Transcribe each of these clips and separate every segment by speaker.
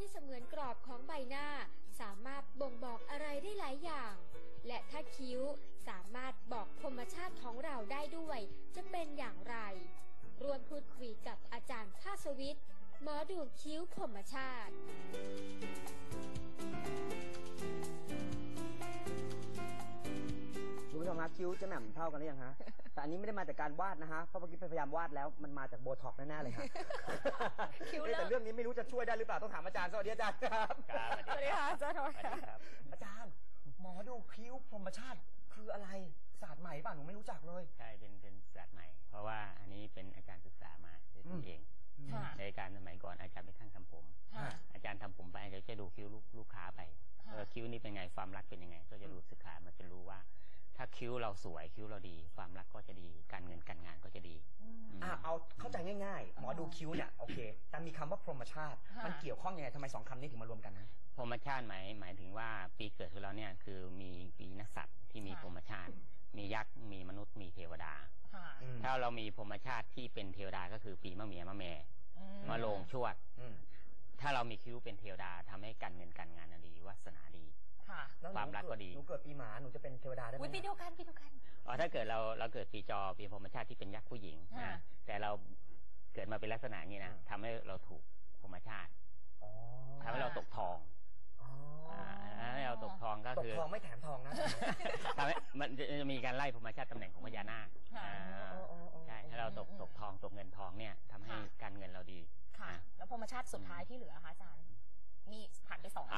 Speaker 1: เสมือนกรอบของใบหน้าสามารถบ่งบอกอะไรได้หลายอย่าง และถ้าคิ้วสามารถบอกพรหมชาติของเราได้ด้วยจะเป็นอย่างไรรวมพูดคุยกับอาจารย์ภาสวิทย์หมอดูคิ้วพรหมชาติ
Speaker 2: คุณผู้ชมฮะคิ้วเจ๊แหม่มเท่ากันหรือยังฮะ แต่อันนี้ไม่ได้มาจากการวาดนะฮะเพราะเมื่อกี้พยายามวาดแล้วมันมาจากโบท็อกซ์แน่ๆเลยครับแต่เรื่องนี้ไม่รู้จะช่วยได้หรือเปล่าต้องถามอาจารย์สวัสดีอาจารย์ครับ
Speaker 3: สวัสดีค่ะอาจารย์ครับ
Speaker 2: อาจารย์หมอดูคิ้วพรหมชาติคืออะไรศาสตร์ใหม่ป่ะหนูไม่รู้จักเลย
Speaker 3: ใช่เป็นศาสตร์ใหม่เพราะว่าอันนี้เป็นอาจารย์ศึกษามาด้วยตนเองในการสมัยก่อนอาจารย์ไปทั้งทำผมอาจารย์ทำผมไปอาจารย์จะดูคิ้วลูกค้าไปคิ้วนี่เป็นไงความรักเป็นยังไงก็จะดูศึกษามันจะรู้ว่าถ้าคิ้วเราสวยคิ้วเราดีความรักก็จะดีการเงินการงานก็จะดี
Speaker 2: เอาเข้าใจง่ายๆหมอดูคิ้วเนี่ยโอเคแต่มีคำว่าพรหมชาติมันเกี่ยวข้องยังไงทำไม2คำนี้ถึงมารวมกันนะ
Speaker 3: พรหมชาติหมายถึงว่าปีเกิดของเราเนี่ยคือมีปีนักษัตริย์ที่มีพรหมชาติมียักษ์มีมนุษย์มีเทวดาถ้าเรามีพรหมชาติที่เป็นเทวดาก็คือปีมะเมียมะแม่มะโรงชวดถ้าเรามีคิ้วเป็นเทวดาทำให้การเงินการงานดีวาสนาดีความรักก็ดี
Speaker 2: หนูเกิดปีหมาหนูจะเป็นเทวดาได้ไหม
Speaker 4: ปีเดียวกัน
Speaker 3: ถ้าเกิดเราเกิดปีจอปีพรหมชาติที่เป็นยักษ์ผู้หญิงแต่เราเกิดมาเป็นลักษณะนี้นะทำให้เราถูกพรหมชาติทำให้เราตกทองให้เราตกทองก็คือ
Speaker 2: ตกทองไม่แถมทองนะ
Speaker 3: ทำให้มันจะมีการไล่พรหมชาติตำแหน่งของพญานาคใช่ให้เราตกทองตกเงินทองเนี่ยทำให้การเงินเราดี
Speaker 4: ค่ะแล้วพรหมชาติสุดท้ายที่เหลือคะอาจารย์มีผ่านไป2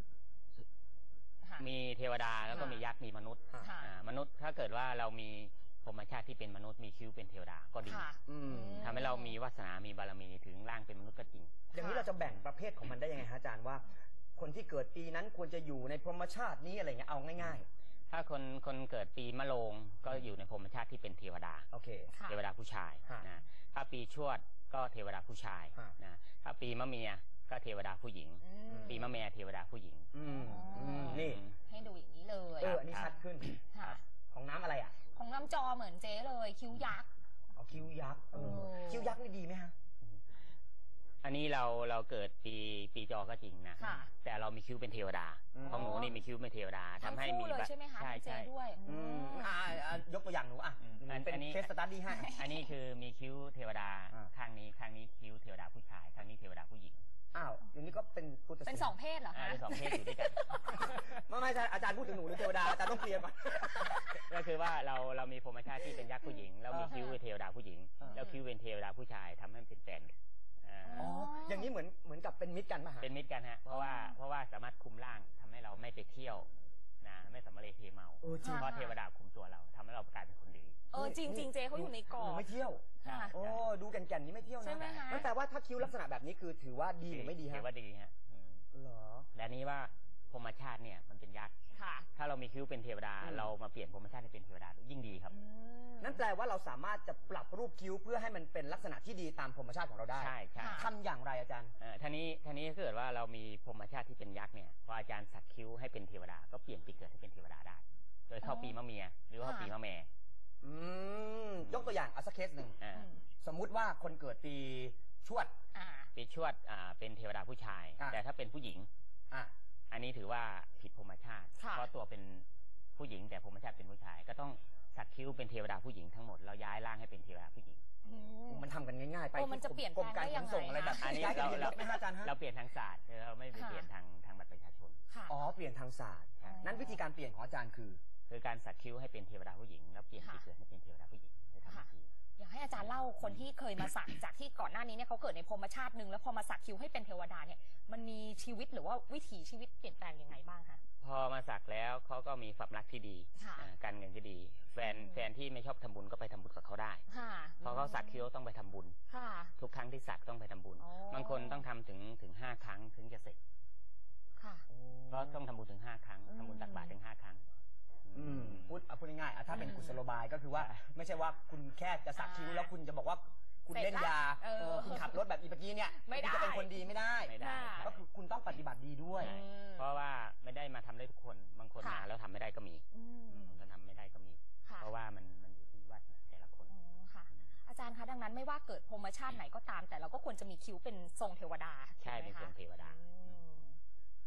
Speaker 3: มีเทวดาแล้วก็มียักษ์มีมนุษย์มนุษย์ถ้าเกิดว่าเรามีพรหมชาติที่เป็นมนุษย์มีคิ้วเป็นเทวดาก็ดีทำให้เรามีวาสนามีบารมีถึงร่างเป็นมนุษย์ก็จริง
Speaker 2: อย่างนี้เราจะแบ่งประเภทของมันได้ยังไงฮะอาจารย์ว่าคนที่เกิดปีนั้นควรจะอยู่ในพรหมชาตินี้อะไรเงี้ยเอาง่าย
Speaker 3: ๆถ้าคนเกิดปีมะโรงก็อยู่ในพรหมชาติที่เป็นเทวดา
Speaker 2: โอเค
Speaker 3: เทวดาผู้ชายนะถ้าปีชวดก็เทวดาผู้ชายนะถ้าปีมะเมียก็เทวดาผู้หญิงปีมะแม่เทวดาผู้หญิง
Speaker 2: นี่
Speaker 4: ให้ดูอย่างนี้เลย
Speaker 2: อันนี้ชัดขึ้นของน้ำอะไรอ่ะ
Speaker 4: ของน้ำจอเหมือนเจ๊เลยคิ้วยักษ์
Speaker 2: คิ้วยักษ์คิ้วยักษ์นี่ดีไหมฮะ
Speaker 3: อันนี้เราเกิดปีจอก็จริงนะแต่เรามีคิ้วเป็นเทวดาของหนูนี่มีคิ้วเป็นเทวดาทำให้มี
Speaker 4: ใช่ไหมคะใช่ด้วย
Speaker 2: ยกตัวอย่างหนูเป็นเคสสตั๊ดดี้ให้
Speaker 3: อันนี้คือมีคิ้วเทวดาข้างนี้คิ้วเทวดาผู้ชายข้างนี้เทวดาผู้หญิง
Speaker 2: อย่างนี้ก็เป็น
Speaker 4: เป็น2เพศเหรอคะ
Speaker 3: เป็น2เพศอยู่ด้วยกัน
Speaker 2: ไม่ใช่อาจารย์พูดถึงหนูหรือเทวดาอาจารย์ต้องเคลียร์ก่อน
Speaker 3: ก็คือว่าเรามีพรหมชาติที่เป็นยักษ์ผู้หญิงแล้วมีคิ้วเป็นเทวดาผู้หญิงแล้วคิ้วเป็นเทวดาผู้ชายทำให้เป็นแฟน
Speaker 2: อย่างนี้เหมือนกับเป็นมิตรกันป่ะ
Speaker 3: เป็นมิตรกันฮะเพราะว่าสามารถคุมร่างทำให้เราไม่ไปเที่ยวนะไม่สำเร็จเทเมาเพราะเทวดาคุมตัวเราทำให้เรากลายเป็นคนดี
Speaker 4: จริงเจเขาอยู่ในกรอบ
Speaker 2: ไม่เที่ยวดูแก่นๆนี้ไม่เที่ยวนะนั่นแปลว่าถ้าคิ้วลักษณะแบบนี้คือถือว่าดีหรือไม่ดีฮะ
Speaker 3: ถือว่าดีฮะ
Speaker 2: เหรอ
Speaker 3: และนี้ว่าพรหมชาติเนี่ยมันเป็นยักษ์ถ้าเรามีคิ้วเป็นเทวดาเรามาเปลี่ยนพรหมชาติให้เป็นเทวดายิ่งดีครับ
Speaker 2: นั่นแปลว่าเราสามารถจะปรับรูปคิ้วเพื่อให้มันเป็นลักษณะที่ดีตามพรหมชาติของเราได้
Speaker 3: ใช่
Speaker 2: ทำอย่างไรอาจารย์
Speaker 3: ท่านี้ถ้าเกิดว่าเรามีพรหมชาติที่เป็นยักษ์เนี่ยพออาจารย์สักคิ้วให้เป็นเทวดาก็เปลี่ยนปีเกิดให้เป็นเทวดาได้โดยเข้าปีมะเมียหรือว่าปีมะแม่
Speaker 2: ยกตัวอย่างสักเคสหนึ่งสมมุติว่าคนเกิดปีชวด
Speaker 3: เป็นเทวดาผู้ชายแต่ถ้าเป็นผู้หญิงอันนี้ถือว่าผิดพรหมชาติเพราะตัวเป็นผู้หญิงแต่พรหมชาติเป็นผู้ชายก็ต้องสักคิ้วเป็นเทวดาผู้หญิงทั้งหมดเราย้ายร่างให้เป็นเทวดาผู้หญิง
Speaker 2: มันทำกันง่ายๆไป
Speaker 4: มันจะเปลี่ยน
Speaker 2: กรมการขนส่งอะไรแบบ
Speaker 3: อันนี้เราเปลี่ยนทางศาสตร์เราไม่ไปเปลี่ยนทางบัตรประชาชน
Speaker 2: เปลี่ยนทางศาสตร์นั้นวิธีการเปลี่ยนของอาจารย์คือ
Speaker 3: การสักคิ้วให้เป็นเทวดาผู้หญิงแล้วเปลี่ยนปีเกิดให้เป็นเทวดาผู้หญิงในทางที่
Speaker 4: อยากให้อาจารย์เล่าคนที่เคยมาสักจากที่ก่อนหน้านี้เนี่ยเขาเกิดในพรหมชาติหนึ่งแล้วพอมาสักคิ้วให้เป็นเทวดาเนี่ยมันมีชีวิตหรือว่าวิถีชีวิตเปลี่ยนแปลงยังไงบ้างคะ
Speaker 3: พอมาสักแล้วเขาก็มีความรักที่ดีการเงินที่ดีแฟนที่ไม่ชอบทำบุญก็ไปทำบุญกับเขาได้เพราะเขาสักคิ้วต้องไปทำบุญทุกครั้งที่สักต้องไปทำบุญบางคนต้องทำถึง5 ครั้งถึงจะเสร็จเพราะต้องทำบุญถึง5 ครั้งทำบุญตักบาตรถึง5 ครั้ง
Speaker 2: พูดง่ายๆถ้าเป็นกุศโลบายก็คือว่าไม่ใช่ว่าคุณแค่จะสักคิ้วแล้วคุณจะบอกว่าคุณเล่นยาคุณขับรถแบบอีเมื่อกี้เนี่ยจะเป็นคนดีไม่ได้ก็คือคุณต้องปฏิบัติดีด้วย
Speaker 3: เพราะว่าไม่ได้มาทำได้ทุกคนบางคนมาแล้วทำไม่ได้ก็มีมันทำไม่ได้ก็มีเพราะว่ามันอยู่ที่วัดแต่ละคน
Speaker 4: อาจารย์คะดังนั้นไม่ว่าเกิดพรหมชาติไหนก็ตามแต่เราก็ควรจะมีคิ้วเป็นทรงเทวดา
Speaker 3: ใช่เป็นทรงเทวดา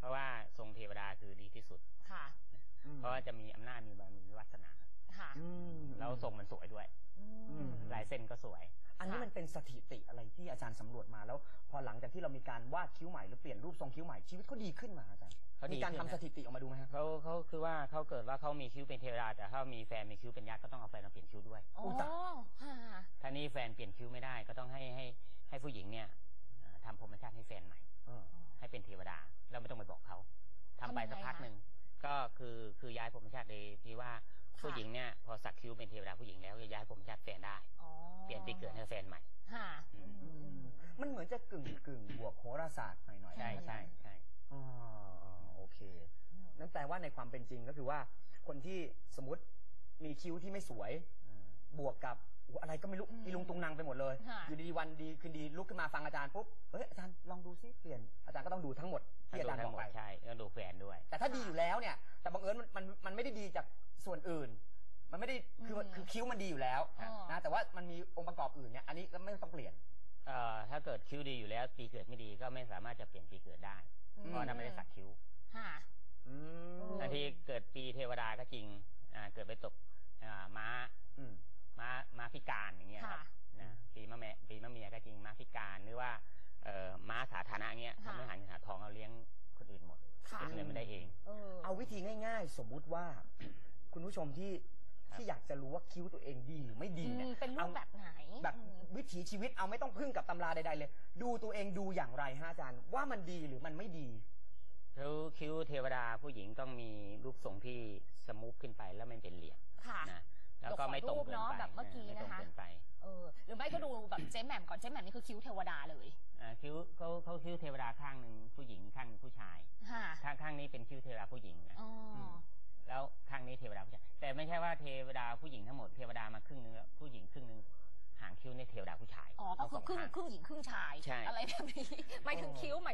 Speaker 3: ราะว่าทรงเทวดาคือดีที่สุด
Speaker 4: ค่ะ
Speaker 3: เพราะว่าจะมีอำนาจมีบารมีวาสนา
Speaker 4: ค่ะ
Speaker 3: แล้วทรงมันสวยด้วยลายเส้นก็สวย
Speaker 2: อันนี้มันเป็นสถิติอะไรที่อาจารย์สำรวจมาแล้วพอหลังจากที่เรามีการวาดคิ้วใหม่หรือเปลี่ยนรูปทรงคิ้วใหม่ชีวิตเขาดีขึ้นมาอาจารย์มีการทำสถิติออกมาดูไหมครับ
Speaker 3: เขาคือว่าเขาเกิดว่าเขามีคิ้วเป็นเทวดาแต่ถ้ามีแฟนมีคิ้วเป็นยักษ์ก็ต้องเอาแฟนมาเปลี่ยนคิ้วด้วยถ้านี่แฟนเปลี่ยนคิ้วไม่ได้ก็ต้องให้ผู้หญิงเนี่ยทำพรหมชาติให้แฟนใหม่ให้เป็นเทวดาแล้วไม่ต้องไปบอกเขาทำไปสักพักหนึ่งก็คือย้ายพรหมชาติเลยที่ว่าผู้หญิงเนี่ยพอสักคิ้วเป็นเทวดาผู้หญิงแล้วจะย้ายพรหมชาติแฟนได้เปลี่ยนปีเกิดให้แฟนใหม่
Speaker 2: มันเหมือนจะกึ่งบวกโหราศาสตร์หน่อย
Speaker 3: ใช่ใช่ใช่
Speaker 2: โอเคนั่นแปลว่าในความเป็นจริงก็คือว่าคนที่สมมติมีคิ้วที่ไม่สวยบวกกับอะไรก็ไม่รู้อีลุงตุงนางไปหมดเลยอยู่ดีวันดีคืนดีลุกขึ้นมาฟังอาจารย์ปุ๊บอาจารย์ลองดูซิเปลี่ยนอาจารย์ก็ต้องดูทั้งหมดที่อาจารย์บอกไป
Speaker 3: ใช่ต้องดูแฟนด้วย
Speaker 2: แต่ถ้าดีอยู่แล้วเนี่ยแต่บังเอิญมันไม่ได้ดีจากส่วนอื่นมันไม่ได้คือคิ้วมันดีอยู่แล้วนะแต่ว่ามันมีองค์ประกอบอื่นเนี่ยอันนี้ก็ไม่ต้องเปลี่ยน
Speaker 3: ถ้าเกิดคิ้วดีอยู่แล้วปีเกิดไม่ดีก็ไม่สามารถจะเปลี่ยนปีเกิดได้เพราะนั้นไม่ได้สักคิ้วบางทีเกิดปีเทวดาก็จริงเกิดไปตกม้าพิการอย่างเงี้ยครับนะปีมะเมียก็จริงม้าพิการหรือว่าม้าสาธารณะเงี้ยทำให้หาทองเอาเลี้ยงคนอื่นหมดเงินไม่ได้เอง
Speaker 2: เอาวิธีง่ายๆสมมุติว่าคุณผู้ชมที่อยากจะรู้ว่าคิ้วตัวเองดีหรือไม่ดีเนี่ย
Speaker 4: เป็นรูปแบบไหน
Speaker 2: แบบวิถีชีวิตเอาไม่ต้องพึ่งกับตำราใดๆเลยดูตัวเองดูอย่างไรฮะอาจารย์ว่ามันดีหรือมันไม่ดี
Speaker 3: คิ้วเทวดาผู้หญิงต้องมีรูปทรงที่สมูทขึ้นไปแล้วไม่เป็นเหลี่ยมนะแล้วก็ไม่ตรงเกินไป
Speaker 4: แบบเมื่อกี้นะคะหรือไม่ก็ดูแบบเจ๊แหม่มก่อนเจ๊แหม่มนี่คือคิ้วเทวดาเลย
Speaker 3: คิ้วเขาคิ้วเทวดาข้างหนึ่งผู้หญิงข้างหนึ่งผู้ชายข้างนี้เป็นคิ้วเทวดาผู้หญิงแล้วข้างนี้เทวดาผู้ชายแต่ไม่ใช่ว่าเทวดาผู้หญิงทั้งหมดเทวดามาครึ่งนึงผู้หญิงครึ่งนึงหางคิ้วในเทวดาผู้ชาย
Speaker 4: ก็คือครึ่งหญิงครึ่งชายอะไรแบบนี้หมายถึงคิ้วใช่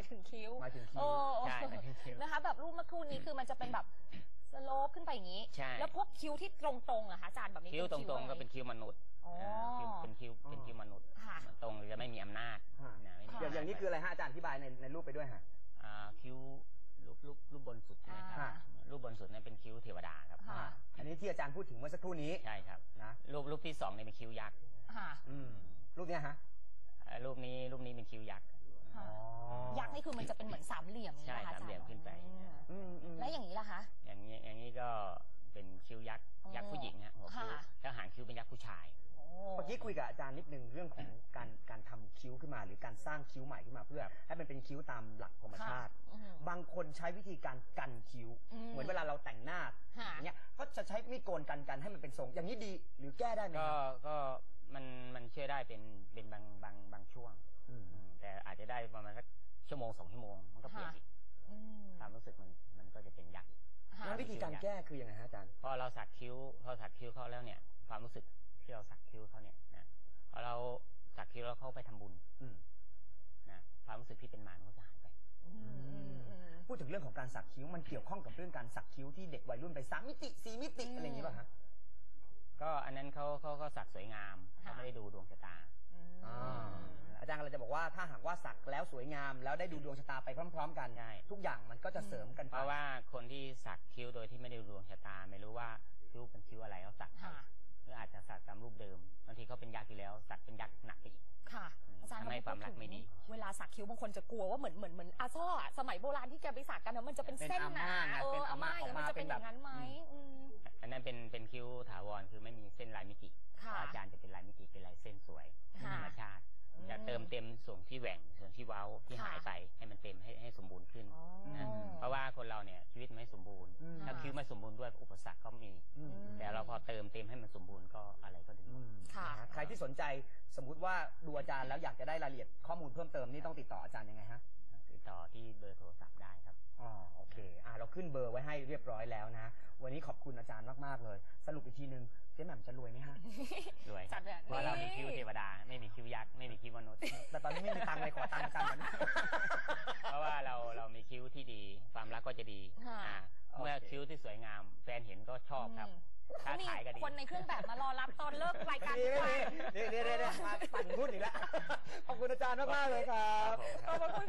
Speaker 4: นะคะแบบรูปเมื่อครู่นี้คือมันจะเป็นแบบสโลปขึ้นไปอย่างนี้แล้วพวกคิ้วที่ตรงๆอะคะอาจารย์แบบนี้
Speaker 3: คิ้วตรงๆก็เป็นคิ้วมนุษย์เป็นคิ้วมนุษย์ตรงจะไม่มีอำนาจ
Speaker 2: อย่างนี้คืออะไรฮะอาจารย์อธิบายในรูปไปด้วยฮะ
Speaker 3: คิ้วรูปบนสุดนะครับรูปบนสุดนั้นเป็นคิ้วเทวดาครับ
Speaker 2: อันนี้ที่อาจารย์พูดถึงเมื่อสักครู่นี้
Speaker 3: ใช่ครับนะรูปที่2เนี่ยเป็นคิ้วยักษ์
Speaker 2: รูปนี้ฮะ
Speaker 3: รูปนี้เป็นคิ้วยักษ์
Speaker 4: ยักษ์นี่คือมันจะเป็นเหมือนสามเหลี่ยม
Speaker 3: ใช่สามเหลี่ยมขึ้นไป
Speaker 4: แล้วอย่างนี้ล่ะคะ
Speaker 3: อย่างนี้ก็เป็นคิ้วยักษ์ผู้หญิงฮะหัวคิ้วแล้วหางคิ้วเป็นยักษ์ผู้ชาย
Speaker 2: เมื่อกี้คุยกับอาจารย์นิดนึงเรื่องของการทำคิ้วขึ้นมาหรือการสร้างคิ้วใหม่ขึ้นมาเพื่อให้มันเป็นคิ้วตามหลักธรรมชาติบางคนใช้วิธีการกันคิ้วเหมือนเวลาเราแต่งหน้าอย่างเงี้ยก็จะใช้มีดโกนกันให้มันเป็นทรงอย่างนี้ดีหรือแก้ได้ไหม
Speaker 3: ก็มันช่วยได้เป็นบางช่วงแต่อาจจะได้ประมาณสักชั่วโมง2 ชั่วโมงมันก็เปลี่ยนอีกความรู้สึกมันก็จะเป็นยักษ์
Speaker 2: แล้ววิธีการแก้คือยังไงฮะอาจารย์
Speaker 3: พอเราสักคิ้วเขาแล้วเนี่ยความรู้สึกที่เราสักคิ้วเขาเนี่ยนะพอเราสักคิ้วแล้วเขาไปทำบุญนะความรู้สึกที่เป็นมารก็จะหายไป
Speaker 2: พูดถึงเรื่องของการสักคิ้วมันเกี่ยวข้องกับเรื่องการสักคิ้วที่เด็กวัยรุ่นไป3 มิติ4 มิติอะไรอย่างนี้ป่ะฮะ
Speaker 3: ก็อันนั้นเขาสักสวยงามเขาไม่ได้ดูดวงชะตา
Speaker 2: อาจารย์เราจะบอกว่าถ้าหากว่าสักแล้วสวยงามแล้วได้ดูดวงชะตาไปพร้อมๆกันทุกอย่างมันก็จะเสริมกันไป
Speaker 3: เพราะว่าคนที่สักคิ้วโดยที่ไม่ได้ดูดวงชะตาไม่รู้ว่าคิ้วเป็นคิ้วอะไรเขาสักหรืออาจจะสักตามรูปเดิมบางทีเขาเป็นยักษ์อยู่แล้วสักเป็นยักษ์หนักไปอีก
Speaker 4: ค่ะอาจารย์
Speaker 3: ทำให้ความรักไม่ดี
Speaker 4: เวลาสักคิ้วบางคนจะกลัวว่าเหมือนอาซ่อสมัยโบราณที่แกไปสักกันนะมันจะเป็นเส้นหนาอาม่ามันจะเป็นอย่างนั้นไหม
Speaker 3: อันนั้นเป็นคิ้วถาวรคือไม่มีเส้นลายมิติอาจารย์จะเป็นลายมิติเป็นลายเส้นสวยธรรมชาติจะเติมเต็มส่วนที่แหว่งส่วนที่เว้าที่หายไปให้มันเต็มให้สมบูรณ์ขึ้นนะเพราะว่าคนเราเนี่ยชีวิตไม่สมบูรณ์ถ้าคิ้วไม่สมบูรณ์ด้วยอุปสรรคก็มีแต่เราพอเติมเต็มให้มันสมบูรณ์ก็อะไรก็ดี
Speaker 2: ใครที่สนใจสมมุติว่าดูอาจารย์แล้วอยากจะได้รายละเอียดข้อมูลเพิ่มเติมนี่ต้องติดต่ออาจารย์ยังไงฮะ
Speaker 3: ติดต่อที่เบอร์โทรศัพท์ได้ครับ
Speaker 2: โอเคเราขึ้นเบอร์ไว้ให้เรียบร้อยแล้วนะวันนี้ขอบคุณอาจารย์มากๆเลยสรุปอีกทีนึงเจ๊แหม่มจะรวยไหมฮะ
Speaker 3: รวยเพราะเรามีคิ้วเทวดาไม่มีคิ้วยักษ์ไม่มีคิ้วมนุษย์
Speaker 2: แต่ตอนนี้ไม่มีตังค์เลยขอตังค์อาจารย์ก่อน
Speaker 3: เพราะว่าเรามีคิ้วที่ดีความรักก็จะดีเมื่อคิ้วที่สวยงามแฟนเห็นก็ชอบครับ
Speaker 4: ถ้าถ่ายก็ดีคนในเครื่องแบบมารอรับตอนเลิกรายการ
Speaker 2: นี่มาปั่นหุ้นอีกแล้วขอบคุณอาจารย์มากๆเลยครับ
Speaker 4: ขอบคุณ